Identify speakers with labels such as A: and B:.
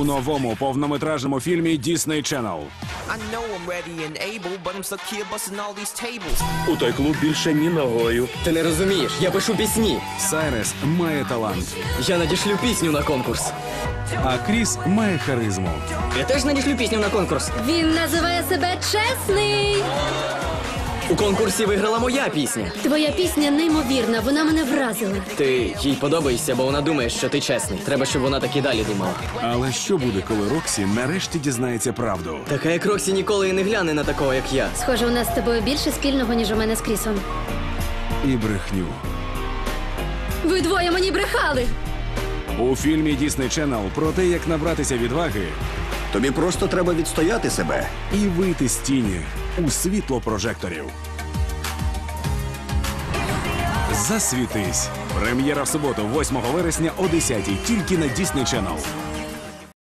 A: у новому повнометражному фільмі Disney Channel.
B: I know I'm ready and able, but I'm stuck here busting all these tables.
C: У той клуб більше ні ногою.
D: Ти не розумієш, я пишу пісні.
A: Сайрес має талант,
D: Я надішлю пісню на конкурс.
A: а Кріс має харизму.
D: Я теж надішлю пісню на конкурс.
E: Він називає себе чесний.
D: У конкурсі виграла моя пісня.
E: Твоя пісня неймовірна, вона мене вразила.
D: Ти їй подобаєшся, бо вона думає, що ти чесний. Треба, щоб вона так і далі думала.
A: Але що буде, коли Роксі нарешті дізнається правду?
D: Така як Роксі ніколи і не гляне на такого, як я.
E: Схоже, у нас з тобою більше спільного, ніж у мене з Крісом.
A: І брехню.
E: Ви двоє мені брехали!
A: У фільмі Disney Channel про те, як набратися відваги
F: Тобі просто треба відстояти себе.
A: і вийти з тіні у світло прожекторів. Засвітись. Прем'єра в суботу, 8 вересня о 10-й, тільки на Disney Channel.